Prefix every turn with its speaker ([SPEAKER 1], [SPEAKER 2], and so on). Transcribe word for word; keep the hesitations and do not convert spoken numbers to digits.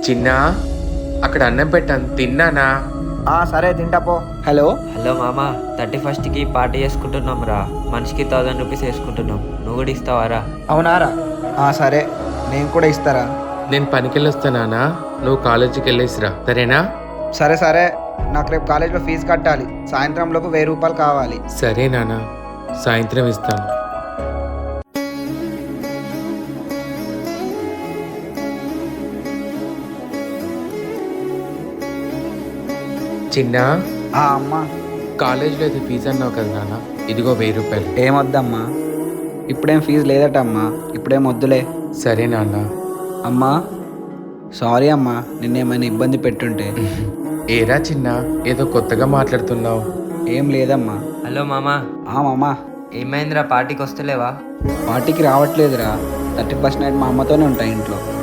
[SPEAKER 1] చిన్నా, అక్కడ అన్నం పెట్టాను తిన్నానా?
[SPEAKER 2] ఆ సరే తింటాపో. హలో
[SPEAKER 3] హలో మామ, థర్టీ ఫస్ట్కి పార్టీ చేసుకుంటున్నాం రా. మనిషికి థౌజండ్ రూపీస్ వేసుకుంటున్నాం. నువ్వు కూడా ఇస్తావారా?
[SPEAKER 2] అవునారా? ఆ సరే, నేను కూడా ఇస్తారా.
[SPEAKER 1] నేను పనికి వెళ్ళొస్తానా, నువ్వు కాలేజీకి వెళ్ళేసిరా, సరేనా?
[SPEAKER 2] సరే సరే, నాకు రేపు కాలేజ్లో ఫీజు కట్టాలి. సాయంత్రం లోపు వెయ్యి రూపాయలు కావాలి.
[SPEAKER 1] సరే నాన్న, సాయంత్రం ఇస్తాను. చిన్నా,
[SPEAKER 2] ఆ అమ్మా,
[SPEAKER 1] కాలేజీలో అయితే ఫీజు అన్నావు కదా నాన్న, ఇదిగో వెయ్యి రూపాయలు.
[SPEAKER 2] ఏమొద్దమ్మా, ఇప్పుడేం ఫీజు లేదటమ్మా, ఇప్పుడేం వద్దులే.
[SPEAKER 1] సరే నాన్న.
[SPEAKER 2] అమ్మా సారీ అమ్మా, నిన్నేమైనా ఇబ్బంది పెట్టుంటే.
[SPEAKER 1] ఏరా చిన్న, ఏదో కొత్తగా మాట్లాడుతున్నావు.
[SPEAKER 2] ఏం లేదమ్మా.
[SPEAKER 3] హలో మామ,
[SPEAKER 2] ఆ మామా,
[SPEAKER 3] ఏమైందిరా? పార్టీకి వస్తలేవా?
[SPEAKER 2] పార్టీకి రావట్లేదురా. థర్టీ ఫస్ట్ నైట్ మా అమ్మతోనే ఉంటాయి ఇంట్లో.